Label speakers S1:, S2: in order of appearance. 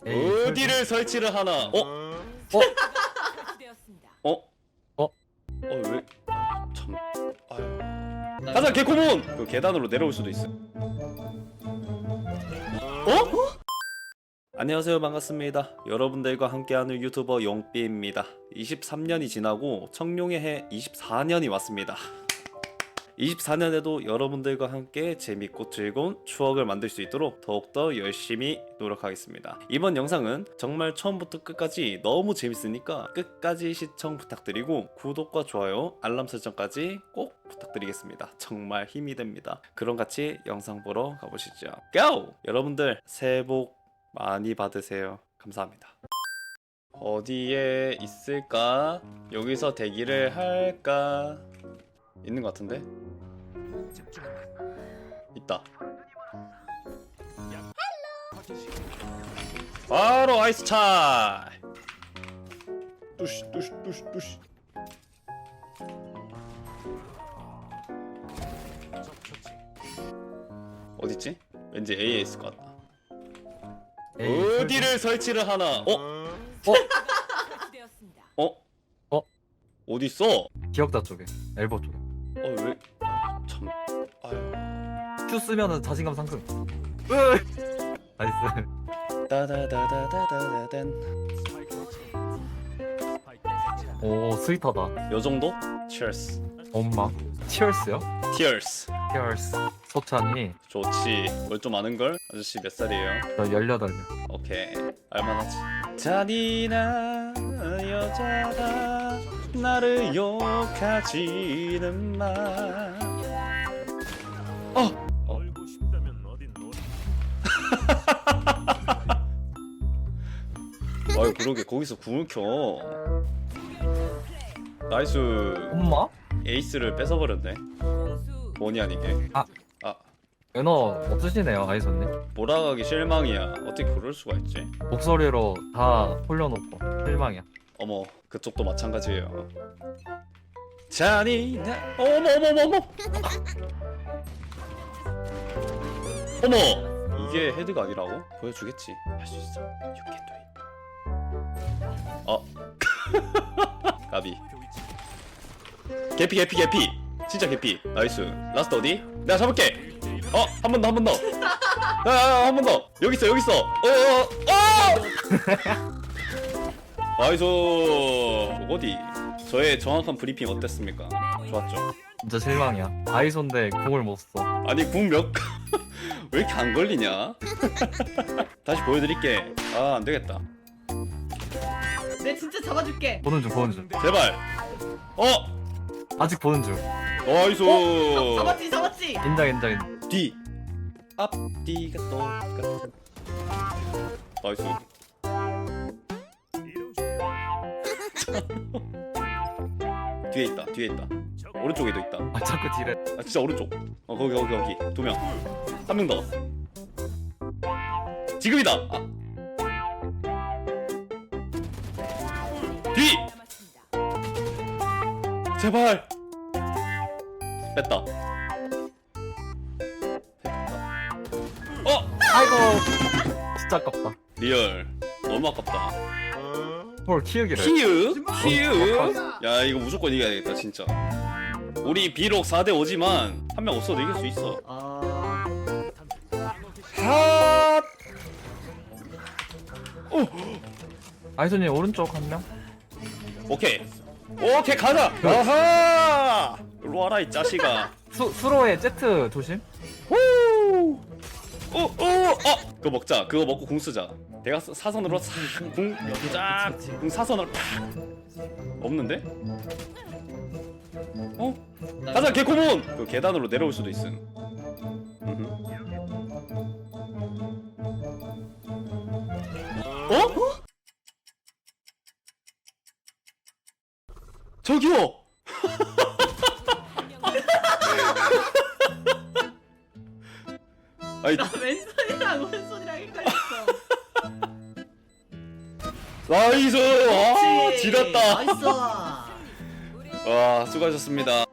S1: 어디를 설치를 하나? 왜? 참. 아유. 가자 개코몬. 그 계단으로 내려올 수도 있어. 안녕하세요, 반갑습니다. 여러분들과 함께하는 유튜버 용삐입니다. 23년이 지나고 청룡의 해 24년이 왔습니다. 24년에도 여러분들과 함께 재밌고 즐거운 추억을 만들 수 있도록 더욱더 열심히 노력하겠습니다. 이번 영상은 정말 처음부터 끝까지 너무 재밌으니까 끝까지 시청 부탁드리고 구독과 좋아요, 알람 설정까지 꼭 부탁드리겠습니다. 정말 힘이 됩니다. 그럼 같이 영상 보러 가보시죠. 고! 여러분들 새해 복 많이 받으세요. 감사합니다. 어디에 있을까? 여기서 대기를 할까? 있는 것 같은데? 있다. 바로 아이스 차이. 뚜시 뚜시 뚜시 뚜시. 어딨지? 왠지 A에 있을 것 같다. 어디를 설치를 하나? 어디 있어?
S2: 기억자 쪽에, 엘보 쪽에.
S1: 왜? 참. 아유.
S2: Q 쓰면은 자신감 상승. 나이스.
S1: 따다다다다다단.
S2: 오, 스윗하다.
S1: 요 정도? Cheers.
S2: 엄마. 티얼스요?
S1: Tears.
S2: 티얼스. 소찬이.
S1: 좋지. 뭘 좀 아는 걸? 아저씨 몇 살이에요?
S2: 저 18명.
S1: 오케이. 알만하지. 잔인한 여자가 나를 욕하지는 마.
S3: 알고 싶다면 어딘 노래.
S1: 아유 그러게 거기서 궁을 켜. 나이스.
S2: 엄마?
S1: 에이스를 뺏어버렸네. 뭐니 아니게.
S2: 매너 없으시네요, 아이손님.
S1: 몰아가기 실망이야. 어떻게 그럴 수가 있지?
S2: 목소리로 다 홀려놓고 실망이야.
S1: 어머 그쪽도 마찬가지예요. 잔인한 어머 어머 이게 헤드가 아니라고? 보여주겠지. 할 수 있어. You can do it. 까비. 개피 진짜 개피. 나이스. 라스트 어디? 내가 잡을게. 한 번 더 한 번 더. 한 번 더. 여기 있어 나이스. 어디? 저의 정확한 브리핑 어땠습니까? 좋았죠?
S2: 진짜 실망이야. 아이손데 공을 못 써.
S1: 아니 궁 몇... 왜 이렇게 안 걸리냐? 다시 보여드릴게. 안 되겠다.
S4: 내 진짜 잡아줄게.
S2: 보는 중.
S1: 제발.
S2: 아직 보는 중.
S1: 나이스.
S4: 잡았지.
S2: 인정.
S1: 뒤. 앞뒤가 똑같은. 나이스. 뒤에 있다. 오른쪽에도 있다.
S2: 아, 자꾸 딜해.
S1: 진짜 오른쪽. 거기 2명. 한 명 더. 지금이다. 뒤. 제발. 뺐다.
S2: 아이고. 진짜 아깝다.
S1: 리얼. 너무 아깝다.
S2: 헐, 키우기를.
S1: 키읔? 야 이거 무조건 이겨야겠다 진짜. 우리 비록 4대5지만 한 명 없어도 이길 수 있어. 핫!
S2: 아이손님 오른쪽 한 명.
S1: 오케이 가자. 아하! 일로 와라 이 자식아.
S2: 수로의 제트 조심.
S1: 그거 먹자. 그거 먹고 궁 쓰자. 내가 사선으로 싹궁 사선으로 팍. 없는데? 가자 개코몬. 그 계단으로 내려올 수도 있음. 저기요. 아니
S4: 나 왼손이랑 오른손이랑 헷갈렸어.
S1: 나이스. 지렸다.
S4: 나이스.
S1: 와 수고하셨습니다.